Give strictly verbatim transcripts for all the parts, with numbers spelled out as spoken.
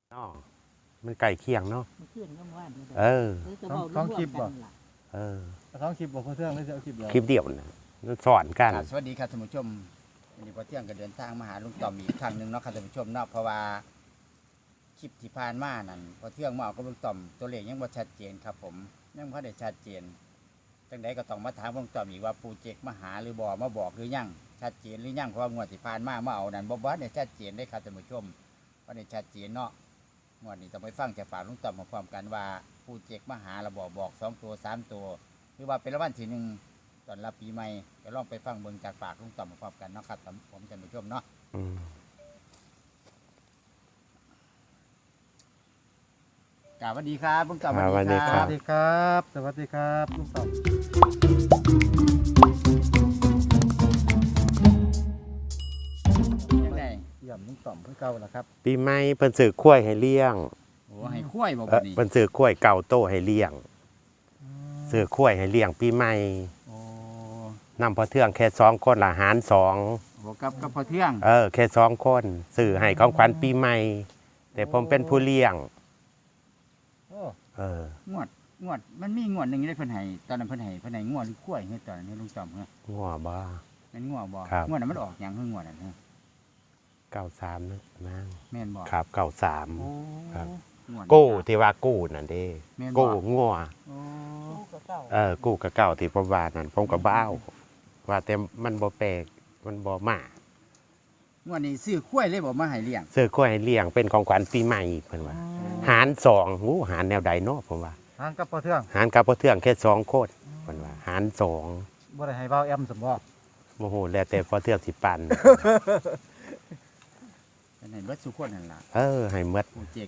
อ๋อมันไก่เคียงเนาะมันขึ้นก็ว่านเออท้องคลิปบ่เออท้องคลิปบ่เพื่อนไม่ใช่เอาคลิปเดียวคลิปเดียวนะมันสอนกันสวัสดีครับท่านผู้ชมวันนี้พอเที่ยงก็เดินทางมาหาลุงต่อมอีกครั้งหนึ่งเนาะครับท่านผู้ชมเนาะเพราะว่าคลิปที่ผ่านมานั่นพอเที่ยงมาเอากับลุงต่อมตัวเลขยังบ่ชัดเจนครับผมยังบ่ได้ชัดเจนจังใดก็ต้องมาถามลุงต่อมอีกว่าปูเจกมาหาหรือบ่มาบอกหรือยังชัดเจนหรือยังเพราะว่างวดที่ผ่านมามาเอานั่นบ่บ่ได้ชัดเจนได้ครับท่านผู้ชมบ่ได้ชัดเจนเนาะงวดนี้ต้องไปฟังจากปากลุงต่อมพร้อมกันว่าปูเจกมาหาแล้วบอกบอกสองตัวสามตัวหรือว่าเป็นรางวัลที่หนึ่งตอนรับปีใหม่ก็ลองไปฟังเบิ่งจากปากลุงต่อมพร้อมกันเนาะครับผมท่านผู้ชมเนาะกราบสวัสดีครับลุงต่อมสวัสดีคสรัวับสดีครับสวัสดีครับลุงต่อมยังไงเยี่ยมลุงต่อมเพื่อเก่าแล้วครับปีใหม่เพิ่นซื้อข้วยให้เลี้ยงโอ้ให้คุ้ยบ่เอบัอดนี้เพิ่นซื้อข้วยเก่าโตให้เลี้ยงซื้อข้วยให้เลี้ยงปีใหม่โอ้นำพอเทื่องแค่สองคนละหารสองโหกับกับพอเที่ยงเออแค่สองคนซื้อให้ของขวัญปีใหม่แต่ผมเป็นผู้เลี้ยงโอ้เอองวดงวดมันมีงวดหนึงได้เพิ่นให้ตอนนั้นเพิ่นให้เพิ่นให้งวดหรือคุ้ยให้ตอนนี้ลุงต่อมเหรองัวบ้าแม่นงวดบ่ครับงวดนั้นมันออกหยังคืองวดนั้นฮะเก้าสามนะมั้งแม่นบ่ครับเก้าสามโอ้ครับงวดกู้ที่ว่ากู้นั่นเด้แม่นบ่กู้งัวโอ้เออกู้กับเก่าที่ผมว่านั่นผมกับบ้าวว่าแต่มันบ่แปลกมันบ่มางวดนี้ซื้อคุ้ยเลยบ่มาให้เลี้ยงซื้อกล้วยให้เลี้ยงเป็นของขวัญปีใหม่เพิ่นว่า หารสองหูหารแนวใดเนาะผมว่าทางกับพ่อเทืองหารกับพ่อเทื่องแค่สองโคตรเพิ่นว่า หารสองบ่ได้ให้เบาแอมสมบ่โมโหแล้วแต่พ่อเทื่องสิปันเป็นให้เบิดสุคนนั่นล่ะเออให้หมดปูเจก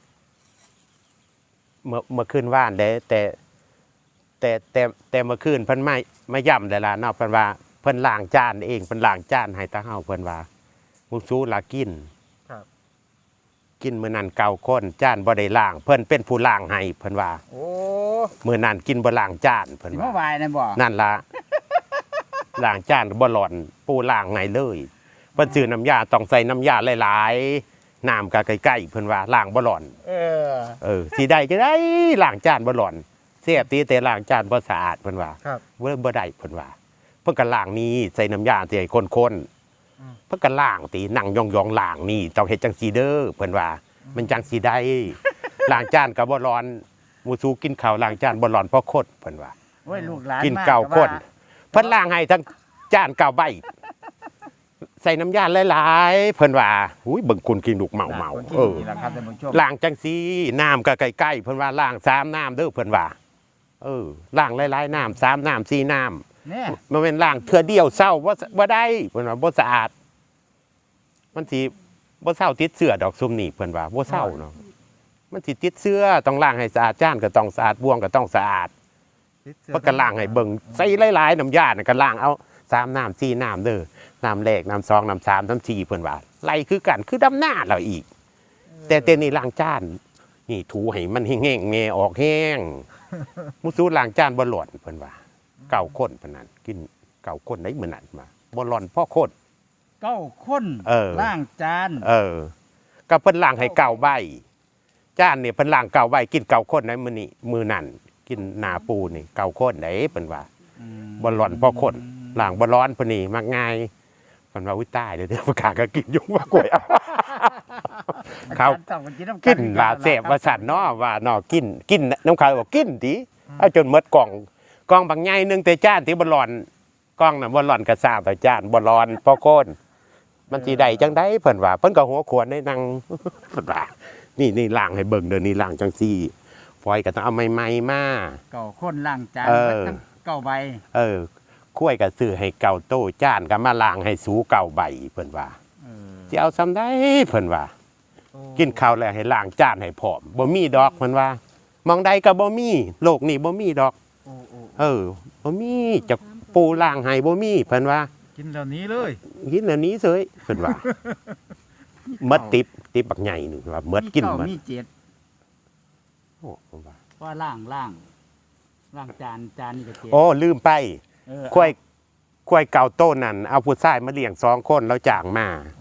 เมื่อเมื่อคืนว่านได้แต่แต่แต่แต่เมื่อคืนเพิ่นมามาย่ำได้ล่ะเนาะเพิ่นว่าเพิ่นล้างจานเองเพิ่นล้างจานให้ตาเฮาเพิ่นว่ามุสู้ลากินครับกินมื้อนั้นเก่าคนจานบ่ได้ล้างเพิ่นเป็นผู้ล้างให้เพิ่นว่าโอ้มื้อนั้นกินบ่ล้างจานเพิ่นสิว่ามาไหว้นั่นบ่นั่นล่ะ ล้างจานบ่หล่อนปูล้างไงเลยเพิ่นซื้อน้ำยาต้องใส่น้ำยาหลายๆน้ำก็ใกล้ๆเพิ่นว่าล้างบ่หล่อนเออเออสิได้จะได้ล้างจานบ่หล่อนเสียบตีแต่ล้างจานบ่สะอาดเพิ่นว่าครับเว้ยบ่ได้เพิ่นว่าเพิ่นก็ล้างนี่ใส่น้ำยาที่ให้คนอืมๆเพิ่นก็ล้างตีนั่งยองๆล้างนี่ต้องเฮ็ดจังซี่เด้อเพิ่นว่า มันจังสิได้ ล้างจานก็บ่ร้อนหมู่สู้กินข้าวล้างจานบ่ร้อนเพราะคนเพิ่นว่าโอ้ยลูกหลานกินมเก่าคนว่เพิ่นล้างให้ทั้งจานเก่าใบ ใส่น้ำยาหลายๆเพิ่นว่าอุ้ยเบิ่งคุณกินลูกเมาเมาคนเออนี่ล่ะครับท่านผู้ชมล้างจังซี่น้ำก็ใกล้ๆเพิ่นว่าล้างสามน้ำเด้อเพิ่นว่าเออล้างหลายๆน้ำสามน้ำสี่น้แน่ำมันเป็นล้างเทื่อเดียวเศร้าบ่บ่ได้เพิ่นว่าบ่สะอาด มันสิบ่เศร้าติดเสื้อดอกซุมนี่เพิ่นว่าบ่เศร้าเนาะมันสิติดเสื้อต้องล้างให้สะอาดจานก็ต้องสะอาดบ่วงก็ต้องสะอาดติดเสื้อเพิ่นก็ล้างให้เบิ่งใส่หลายๆน้ำยาน่ะก็ล้างเอาสามน้ำสี่น้ำเด้อน้ำแรกน้ำสองน้ำสามน้ำสี่เพิ่นว่าไล่คือกันคือดำหน้าเราอีก แต่แต่นี่ล้างจานนี่ถูให้มันแห้งๆแม่ออกแห้งมุสูล้างจานบ่หล่อนเพิ่นว่าเก่าคนเพิ่นนั้นกินเก่าคนได้มื้อนั้นมาบ่หล่อนพ่อคนเก้าคนเออล้างจานเออก็เพิ่นล้างให้เก่าใบจานนี่เพิ่นล้างเก่าใบกินเก่าคนได้มื้อนี้มื้อนั้นกินหนาปูนี่เก่าคนได้เพิ่นว่าบ่หล่อนพ่อคนล้างบ่ร้อนเพิ่นนี่มักง่ายเพิ่นว่าอุ้ยตายเด้อเด้อประกาศก็กินยุ่งว่ากล้วยเอา เขาอจรย์ต้องกินน้ำกินว่าแซ่บว่าสั่นเนาะว่าเนาะกินกินน้ำขาวบอกกินติเอาจนหมดกล่องกล่องบางใหญ่หนึงแต่จานที่บ่ร้อนกล่องน่ะบ่ร้อนก็ทราบว่าจานบ่ร้อนพ่อคนมันสิได้จังได๋เพิ่นว่าเพิ่นก็หัวขวนได้นั่ง เพิ่นว่านี่นี่ล้างให้เบิ่งเด้อนี่ล้างจังซี่ฟอยก็ต้องเอาใหม่ๆมาเก้าคนล้างจานเออเบิดทั้งเก้าใบเออคุ้ยก็ซื้อให้เก่าโตจานก็มาล้างให้สูเก่าใบเพิ่นว่าเออสิเอาซ้ำได้เพิ่นว่าโอ้กินข้าวแล้วให้ล้างจานให้พร้อมบ่มีดอกเพิ่นว่ามองใดก็บ่มีโลกนี้บ่มีดอกโอ้โอ้เออบ่มีจะปูล้างให้บ่มีเพิ่นว่ากินเหล่านี้เลยกินอันนี้เสยเพิ่นว่าหมดติบติบบักใหญ่นึงว่าหมดกินเาหมดมีเจ็ดโอ้เพิ่นว่าว่าล้างล้างล้างจานจานนี่ก็เจ็ดโอ้ลืมไปเออควายควายเก่าโตนั่นเอาผู้ชายมาเลี้ยงสองคนแล้วจ้างมาโอ้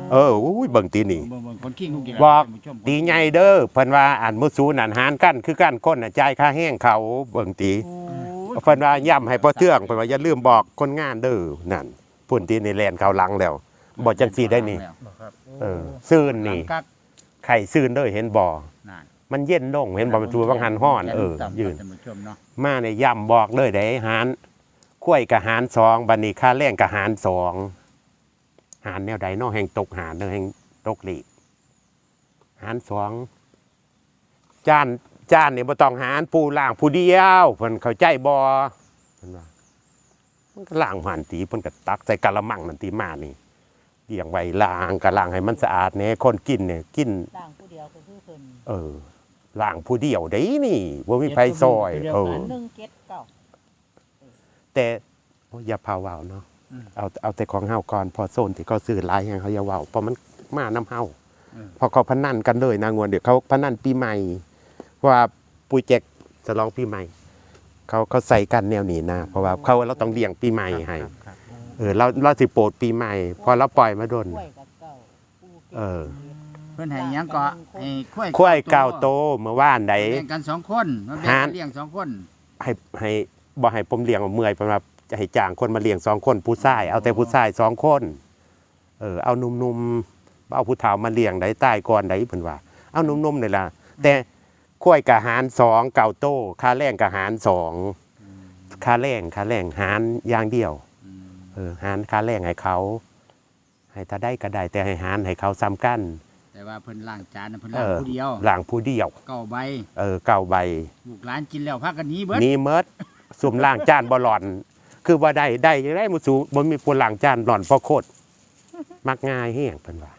เอออุ้ยเบิ่งตีนี่เบิ่งเบิ่งคนขี้งลูกอีบอกท่านผู้ชมตีใหญ่เด้อเพิ่นว่าอันมุสูนั่นหารกันคือกันคนน่ะจ่ายค่าแห้งเขาเบิ่งตีโอ้ยเพิ่นว่าย้ำให้พ่อเทืองเพิ่นว่าอย่าลืมบอกคนงานเด้อนั่นพุ่นตีนี่แลนเขาหลังแล้วบ่จังซี่ได้นี่บ่ครับเออซื่นหลันี่งกักไข่ซื่นเด้อเห็นบ่นั่นมันเย็นลงเห็นบ่มันตัวบางหันฮ้อนเออแขนยืนท่านผู้ชมเนาะมาเนี่ยย้ำบอกเลยได้หารข้วยกับหารสองบัดนี้ค่าแรงกับหารสองหารแนวใดเนาะแห่งตกหารเนาะแห่งตกหลีกหารสองจานจานเนี่ยบ่ต้องหารปูล่างผู้เดียวเพิ่นเข้าใจบ่เพิ่นว่ามันก็ล่างหันตีเพิ่นก็ตักใส่กะละมังนั่นตีมานี่เลี้ยงไว้ล้างก็ล้างให้มันสะอาดแหน่คนกินเนี่ยกินต่างผู้เดียวก็คือเพิ่นเออล้างผู้เดียวได้นี่บ่มีไผซอยเอออันหนึ่งเก็ดเก้าแต่โอ้ยอย่าพาเว้าเนาะเอาเอาแต่ของเฮาก่อนพอโซนที่เขาซื้อหลายแห่งเขาอย่าเว้าเพราะมันมาน้ำเฮาพอเขาพนันกันเลยนะงวนเดี๋ยวเขาพนันปีใหม่ว่าปุยแจกจะลองปีใหม่ เขาเขาใส่กันแนวนี้นะเพราะว่าเขาเราต้องเลี้ยงปีใหม่ให้ครับครับเออเราเราสิโปรดปีใหม่ พอเราปล่อยมาโดนกล้วยกับเก้าปูเก็ดเออเพิ่นให้หยังก็ให้ข้วยข้วยเก่าโตเมื่อวานใดแบ่งกันสองคนมาแบ่งหากัรนเลี้ยงสองคนให้ให้บ่ให้ผมเลี้ยงเมื่อยเพราะว่าจะให้จ้างคนมาเลี้ยงสองคนผู้ชายเอาแต่ผู้ชายสองคนเออเอาหนุ่มๆเอาผู้เฒ่ามาเลี้ยงได้ใต้ก่อนได้เพิ่นว่าเอาหนุ่มๆนี่ล่ะแต่ข้วยกะหารสองเก่าโตค่าแรงกะหารสองค่าแรงค่าแรงหารอย่างเดียวอืมเออหารค่าแรงให้เขา ให้ถ้าได้ก็ได้แต่ให้หารให้เขาซ้ำกันแต่ว่าเพิ่นล้างจานน่ะเพิ่นเอล้างอผู้เดียวหลังผู้เดียวเก้าใบเออเก่าใบลูกหลานกินแล้วพากันหนี้เบิดนี่เมิดสุ่มล่างจานบ่หล่อน คือว่าได้ได้ยังได้มุสูบ่มีผู้ล่างจานหล่อนเพราะโคตรมักง่ายแห้งเพิ่นว่า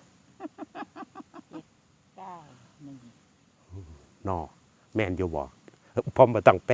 เก้าหนึ่งนอแม่นอยู่บ่เออผมบ่ต้องแปล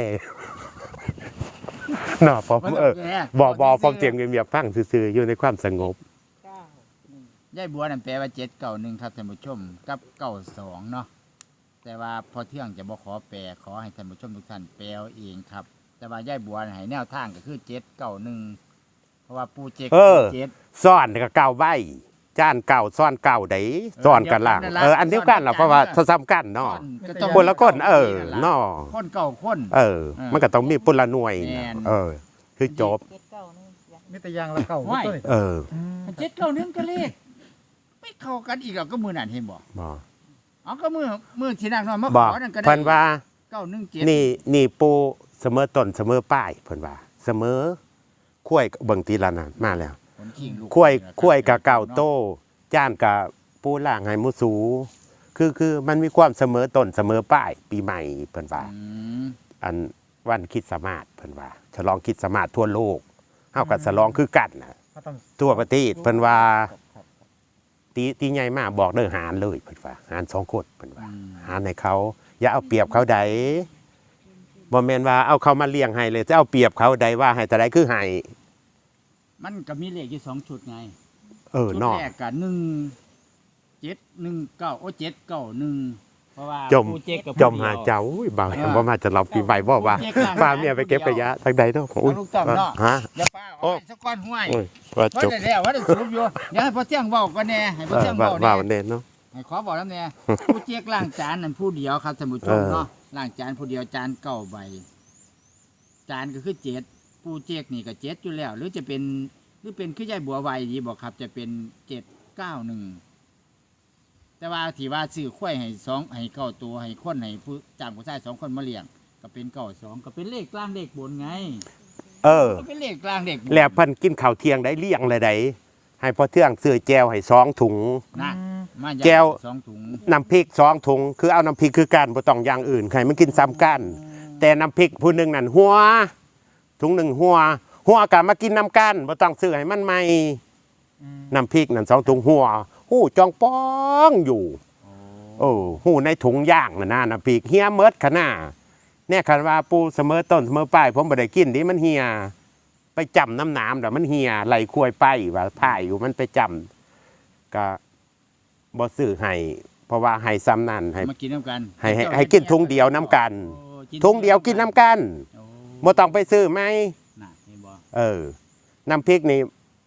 นอผมบ่ต้งเออแก้บ่บ่ฟังเสียงเงียบๆฟังซื่อๆอยู่ในความสงบเก้าหนึ่งยายบัวนั่นแปลว่าเจ็ดเก้าหนึ่งครับท่านผู้ชมกับเก้าสองเนาะแต่ว่าพอเที่ยงจะบ่ขอแปลขอให้ท่านผู้ชมทุกท่านแปลเอาเองครับ แต่ว่ายายบัวให้แนวทางก็คือเจ็ดเก้าหนึ่งเพราะว่าปูเจ็กเออเจ็ดซ่อนก็เก่าใบจานเก่าซ่อนเก่าได้ซ่อนกันล่างเอออันเดียวกันล่ะเพราะว่าซ้ำกันเนาะก็ต้องคนละคนเออเนาะคนเก่าคนเออ มันก็ต้องมีปุละหน่วยแม่นเออ คือจบเก็ดเก้าหนึ่งยังมีแต่อยางละเก่าไหว้ตัวนี้เออเจ็ดเก้าหนึ่งก็เลขไม่เข้ากันอีกแล้วก็มือนั่นเห็นบ่บ่เอาก็มือมือที่นั่งนอนมาบขอกอนั่นก็ได้เพิ่นว่าเก้าหนึ่งเจ็ดนี่นี่ปูเสมอต้นเสมอป้ายเพิ่นว่า เสมอคุ้ยเบิ่งตีละนั่นมาแล้วคนขิงลูกคุ้ยคุ้ยกับเก่าโตจ้านกับปูล่างให้มุสู คือคือมันมีความเสมอต้นเสมอป้ายปีใหม่เพิ่นว่าอืมอันวันคริดสต์มาสเพิ่นว่าฉลองคริดสต์มาสทั่วโลกเฮาก็ฉลองคือกันน่ะก็ต้องทั่วประเทศเพิ่นว่าครับครับตีตีใหญ่มากบอกเด้อหารเลยเพิ่นว่าหารสองคนเพิ่นว่าอืมหารให้เขา อย่าเอาเปรียบเขาใดบ่แม่นว่าเอาเขามาเลี้ยงให้เลยจะเอาเปรียบเขาใดว่าให้แต่ใดคือให้มันก็มีเลขอยู่สองชุดไงเออชุดเนาะแรกกับหนึ่งเจ็ดหนึ่งเก้าโอ้เจ็ดเก้าหนึ่งเพราะว่าจมปูเจ็กกับจมหาเจ้าอุ้ยบ่าวบ่มาจะรับปีใหม่บ่ว่าฟาเมียไปเก็บขยะทางใดเนาะเอาอุ้ยลูกต่อมเนาะฮะเดี๋ยวป้าเอาไปสักก้อนห้วยโอ้ยว่าว่าจบได้แล้วว่าได้สูบอยู่เดี๋ยวให้พ่อเที่ยงบอกกันแน่ให้พ่อเออเที่ยงบว่าอกว่าแน่วันเด่นเนาะให้ขอบอกแล้วแน่ ผู้เจ๊กล้างจานนั่นผู้เดียวครับท่านผู้ชมเออเนาะล้างจานผู้เดียวจานเก้าใบ จานก็คือเจ็ดผู้เจ๊กนี่ก็เจ็ดอยู่แล้ว หรือจะเป็นหรือเป็นคือยายบัวไวดีบอกครับ จะเป็นเจ็ดเก้าหนึ่งแต่ว่าที่ว่าซื้อข้วยให้สองให้เก้าตัวให้คนให้ผู้จ้างผู้ชายสองคนมาเลี้ยงก็เป็นเก้าสองก็เป็นเลขกลางเลขบนไงเออก็เป็นเลขกลางเลขบนแล้วเพิ่นกินข้าวเที่ยงได้เลี้ยงเลยได้ให้พ่อเทื่องซื้อแจวให้สองถุงนะมาแก้วสองถุงน้ำพริกสองถุงคือเอาน้ำพริกคือกันบ่ต้องอย่างอื่นใครมันกินซ้ำกัน แต่น้ำพริกผู้หนึงนั่นหัวถุงหนึ่งหัว หัวก็มากินน้ำกันบ่ต้องซื้อให้มันใหม่อืมน้ำพริกนั่นสองถุงหัวหู้จองป้องอยู่โอ้หู้ในถุงย่างน่ะนะน้ำพริกเฮียเมิดขนาดเนี่ยคันว่าปูเสมอต้นเสมอปลายผมบ่ได้กินดิมันเฮียไปจำน้ำน้ำแล้วมันเฮียไหลควยไปว่าถ่ายอยู่มันไปจำก็บ่ซื้อให้เพราะว่าให้ซ้ำนั่นให้มากินน้ำกันให้ให้ให้กินถุงเดียวน้ำกันโอ้ถุงเดียวกินน้ำกันโอ้บ่ต้องไปซื้อไหมน่ะเห็นบ่เออ น้ำพริกนี่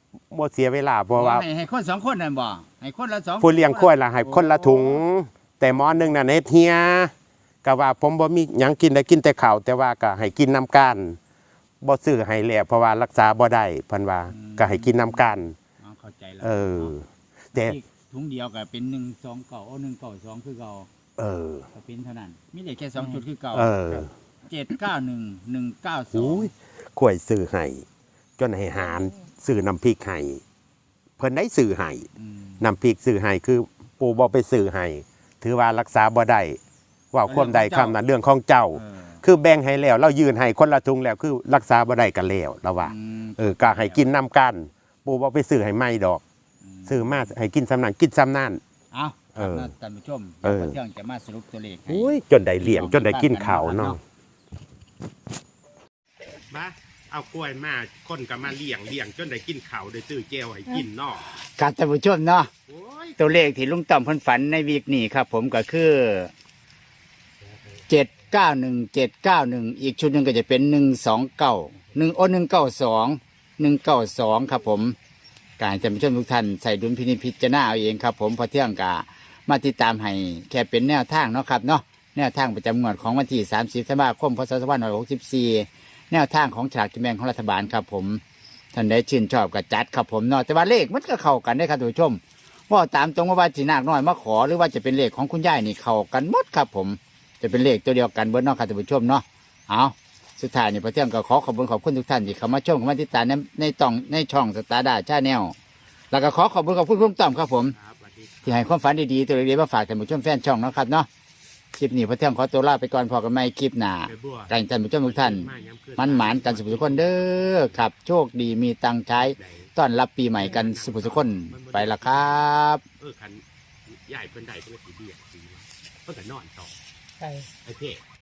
บ่เสียเวลาเพราะว่าให้ให้คนสองคนนั่นบ่ให้คนละสองผู้เลี้ยงควายล่ะให้คนละถุง แต่หมอหนึงน่ะเฮ็ดเฮียก็ว่าผมบ่มีหยังกินได้กินแต่ข้าวแต่ว่าก็ให้กินน้ำกันบ่ซื้อให้แล้วเพราะว่ารักษาบ่ได้เพิ่นว่าก็ให้กินน้ำกันอ๋อเข้าใจแล้วเออ แต่อีกถุงเดียวก็เป็นหนึ่งสองเก่าโอ้หนึ่งเก่าสองคือเก่าเออก็เป็นเท่านั้นมีได้แค่สองจุดคือเก่าเออเจ็ดเก้าหนึ่งหนึ่งเก้าสองอุ้ยกล้วยซื้อให้จนให้หารซื้อน้ำพริกให้เพิ่นได้ซื้อให้น้ำพริกซื้อให้คือปู่บ่ไปซื้อให้ถือว่ารักษาบ่ได้ว่าความใดคำนั้นเรื่องของเจ้าเออคือแบ่งให้แล้วเรายืนให้คนละถุงแล้วคือรักษาบ่ได้กันแล้วเราว่าอืมเออก็ให้กินน้ำกันปู่บ่ไปซื้อให้ไม่ดอกมซื้อมาให้กินสำนันกินสำนันเอาเออครับท่านผู้ชมเออเดี๋ยวเที่ยงจะมาสรุปตัวเลขให้อุ้ยจนได้เลี้ยงจนได้กินข้าวเนาะมาเอากล้วยมาคนก็มาเลี้ยงเลี้ยงจนได้กินข้าวได้ซื้อแก้วให้กินเนาะครับท่านผู้ชมเนาะโอ้ยตัวเลขที่ลุงต่อมเพิ่นฝันในวีคนี้ครับ ผมก็คือเจ็ดเก้าหนึ่งเจ็ดเก้าหนึ่งอีกชุดหนึ่งก็จะเป็นหนึ่งสองเก้าหนึ่งโอ้หนึ่งเก้าสองหนึ่งเก้าสองครับผมการท่านผู้ชมทุกท่านใส่ดุลพินิจพิจารณาเอาเองครับ ผมพอเที่ยงกามาติดตามให้แค่เป็นแนวทางเนาะครับเนาะแนวทางประจำงวดของวันที่สามสิบธันวาคมพศสองพันห้าร้อยหกสิบสี่แนวทางของฉลากกินแบ่งของรัฐบาลครับผมท่านได้ชื่นชอบกับจัดครับผมเนาะแต่ว่าเลขมันก็เข้ากันได้ครับท่านผู้ชม ว่าตามตรงว่าว่าจีนาคน้อยมาขอหรือว่าจะเป็นเลขของคุณยายนี่เข้ากันหมดครับผมจะเป็นเลขตัวเดียวกันเบิร์ดเนาะครับท่านผู้ชมเนาะเอาสุดท้ายนี่พระเที่ยงก็ขอขอบคุณขอบคุณทุกท่านที่เข้ามาชมเข้ามาติดตามในในตองในช่องสตาร์ดาชาแนลแล้วก็ขอขอบคุณขอบคุณพุ่มต่อมครับผมครับสวัสดีที่ให้ความฝันดีๆตัวเล็กๆมาฝากท่านผู้ชมแฟนช่องเนาะครับเนาะคลิปนี้พระเที่ยงขอตัวลาไปก่อนพอกันใหม่คลิปหน้าไปบัวการท่านผู้ชมทุกท่านมันหมานกันสุขทุกคนเด้อครับโชคดีมีตังค์ใช้ต้อนรับปีใหม่กันสุขทุกคนไปละครับเออคันใหญ่เพิ่นได้เพิ่นก็สิเบี้ยสิว่าเพิ่นก็นอนต่อใช่ไอ้เพ่